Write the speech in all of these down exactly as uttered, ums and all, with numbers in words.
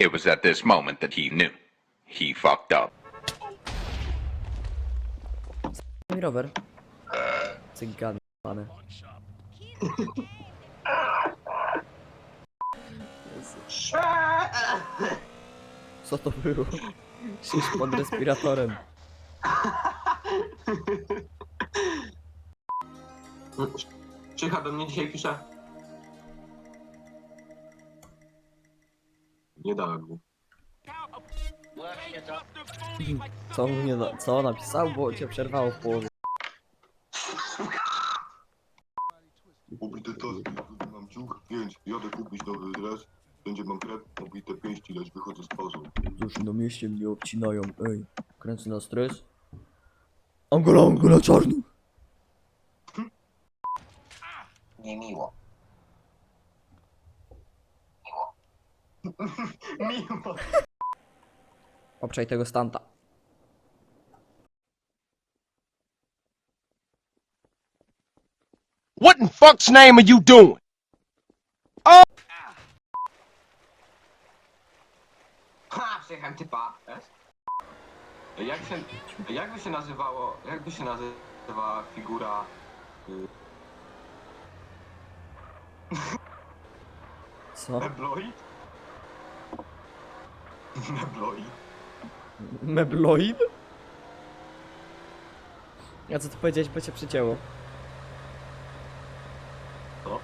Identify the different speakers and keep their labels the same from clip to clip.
Speaker 1: It was at this moment that he knew. He fucked up.
Speaker 2: Mój rower. Cygan, pane. Co to było? Szysz pod respiratorem.
Speaker 3: Czycha do mnie dzisiaj pisze. Nie dałem mu.
Speaker 2: Co on mnie na, co napisał, bo cię przerwało w połowie.
Speaker 4: Pobite toski, mam ciuch, pięć, jadę kupić nowy dres. Będzie mam krep, pobite pięści, lecz wychodzę z pauzą.
Speaker 2: Cóż, na mieście mnie obcinają, ej. Kręcę na stres. Angola, Angola, czarny!
Speaker 3: Niemiło. Miło.
Speaker 2: Obczaj tego stanta.
Speaker 5: What in fuck's name are you doing?
Speaker 3: Ha, przyjechałem typa. Jak się, jakby się nazywało, jakby się nazywała figura... Y,
Speaker 2: Co?
Speaker 3: Mebloid? Mebloid?
Speaker 2: Mebloid? A co ty powiedziałeś, bo cię przycięło?
Speaker 3: Co?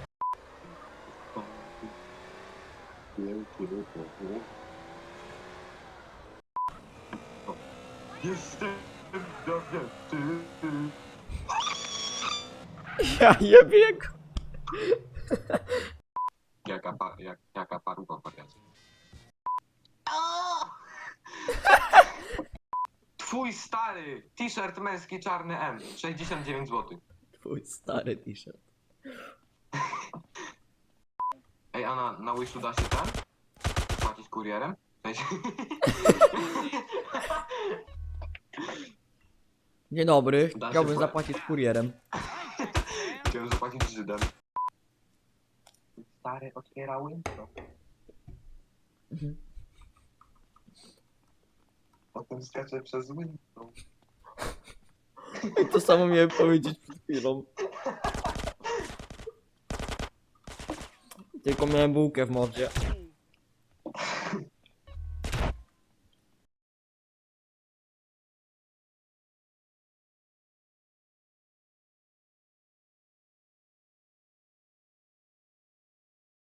Speaker 3: Jestem do dziewczyny.
Speaker 2: Ja jebie go.
Speaker 3: Jaka, pa, jak, jaka paruwa wariacja. Twój stary t-shirt męski czarny M, sześćdziesiąt dziewięć złotych.
Speaker 2: Twój stary t-shirt.
Speaker 3: Ej, a na, na Wishu da się ten? Płacić kurierem? W sensie...
Speaker 2: Dzień dobry,
Speaker 3: Da się
Speaker 2: chciałbym
Speaker 3: pła-
Speaker 2: zapłacić kurierem.
Speaker 3: Chciałem zapłacić Żydem. Stary otwiera window.
Speaker 2: Mhm.
Speaker 3: Potem skacze przez window.
Speaker 2: To samo miałem powiedzieć przed chwilą. Tylko miałem bułkę w mordzie.